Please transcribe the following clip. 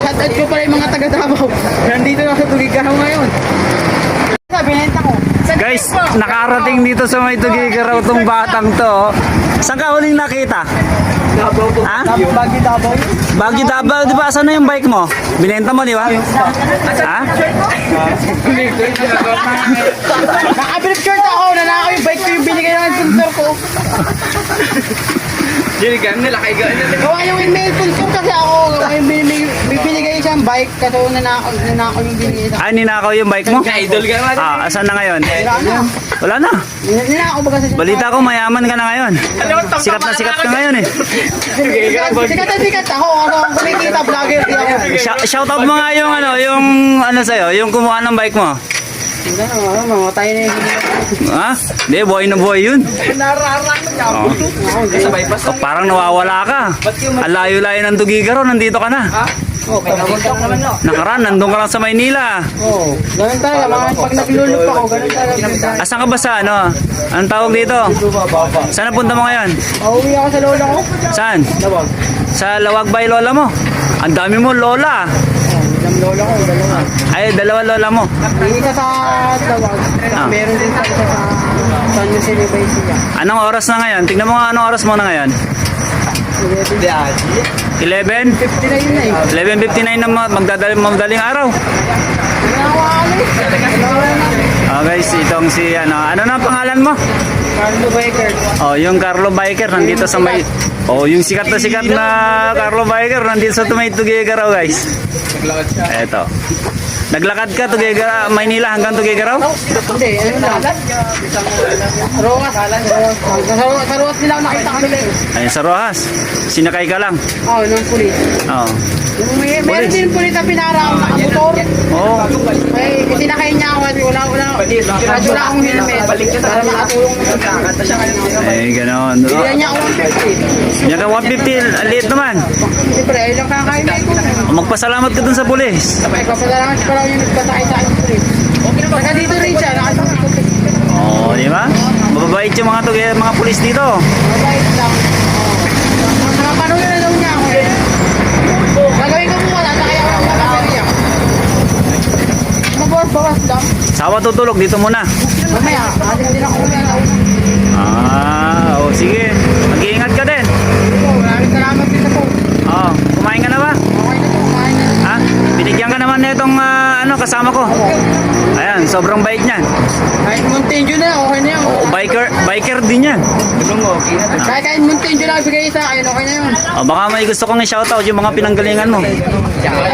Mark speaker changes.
Speaker 1: Shoutout ko pala yung mga taga Davao. Nandito na sa Tugigaraw ngayon. Binenta ko.
Speaker 2: Guys, nakarating dito sa may Tugigaraw tong batang to. Oh. Saan ka huling nakita?
Speaker 1: Davao po.
Speaker 2: Ha?
Speaker 1: Bagi Davao.
Speaker 2: Baguio Davao, di ba? Saan na yung bike mo? Binenta mo, di ba? Ha?
Speaker 1: Nakabilip shirt ako. Nanakaw yung bike ko yung binigay ng sponsor ko.
Speaker 3: Dinigan nila kay gano'n.
Speaker 1: Gawa yung email sponsor kasi ako. Gawa yung binigay siyang bike. Kasi nanakaw yung binigay sa
Speaker 2: Ah, ninakaw yung bike mo?
Speaker 3: Ka-idol ka naman.
Speaker 2: Ah, asan na ngayon?
Speaker 1: Wala na.
Speaker 2: Wala na.
Speaker 1: Ninakaw ba kasi siya?
Speaker 2: Balita ko, mayaman ka na ngayon. Sikat na sikat ka ngayon eh.
Speaker 1: Sikat ako. Ako ang kumikita vlogger. Di ako.
Speaker 2: Shoutout mo nga yung ano sa'yo, yung kumuha ng bike mo.
Speaker 1: Hindi na, mamatay na yung
Speaker 2: Ha? Hindi, buhay na buhay yun. Oh.
Speaker 3: Sabay pa sa.
Speaker 2: Oh, parang nawawala ka. Ang layo-layo ng Tugigaraw, nandito ka na.
Speaker 1: Oh, naman no.
Speaker 2: Nakaraan, nandun ka lang sa Maynila.
Speaker 1: Oh, ganun talaga. Pag naglulup ako, ganun talaga.
Speaker 2: Asan ka ba sa ano? Anong tawag dito? Saan napunta mo ngayon?
Speaker 1: Pauwi ako sa lola ko.
Speaker 2: Saan?
Speaker 1: Lawag.
Speaker 2: Sa Lawag Bay Lola mo? Ang dami mo lola.
Speaker 1: Yung lola ko, dalawa.
Speaker 2: Ay, dalawa lola mo.
Speaker 1: Yung isa sa Lawag.
Speaker 2: Ah.
Speaker 1: Meron din sa isa sa San Jose de Baisia.
Speaker 2: Anong oras na ngayon? Tingnan mo nga anong oras mo na ngayon. 11?
Speaker 1: 50 na yun na eh.
Speaker 2: 11:59 na magdaling araw. Oh guys, itong si ano na ang pangalan mo?
Speaker 1: Carlo Baker.
Speaker 2: Oh, yung Carlo Biker nandito sa may yung sikat na Carlo Biker nandito sa may Tugigaraw, guys. Eto. Naglakad ka Tugigaraw, Maynila hanggang Tugigaraw?
Speaker 1: Hindi, ano lang. Roas. Sa Roas nila ako nakita kanila eh.
Speaker 2: Ayun sa Rojas. Sinakay ka lang.
Speaker 1: Oo, nung pulis.
Speaker 2: Oh.
Speaker 1: Meron din pulis na pinaraang nakamotor.
Speaker 2: Oh.
Speaker 1: May sinakay niya ako kasi wala akong helmet. Para makatulong na
Speaker 2: Eh, ganoon.
Speaker 1: Bigyan niya ako 150.
Speaker 2: Yan ka 150, liit naman.
Speaker 1: Siyempre, ayun lang kakain ko.
Speaker 2: Magpasalamat ka dun sa pulis.
Speaker 1: Papasalamat pa lang yung nagpasakay sa akin pulis. Saka dito rin siya, nakasakay ko.
Speaker 2: Oh, di ba? Mababait yung mga pulis dito.
Speaker 1: Mabait lang. Nakapanong na daw niya ako eh. Gagawin ko muna, sakay ako ng baterya. Mabawas lang.
Speaker 2: Sawa tutulog dito muna.
Speaker 1: Mamaya, ating din ako kumaya.
Speaker 2: Sige. Mag-iingat ka din.
Speaker 1: Maraming salamat dito po.
Speaker 2: Oh, kumain ka na ba?
Speaker 1: Okay na po, kumain na.
Speaker 2: Ha? Binigyan ka naman na itong kasama ko. Ayan, sobrang bait niyan.
Speaker 1: Kahit Montenjo na, okay na yun.
Speaker 2: Biker din yan.
Speaker 1: Kahit Montenjo na bigay sa akin, okay na yun.
Speaker 2: Oh, baka may gusto kong i-shoutout yung mga pinanggalingan mo.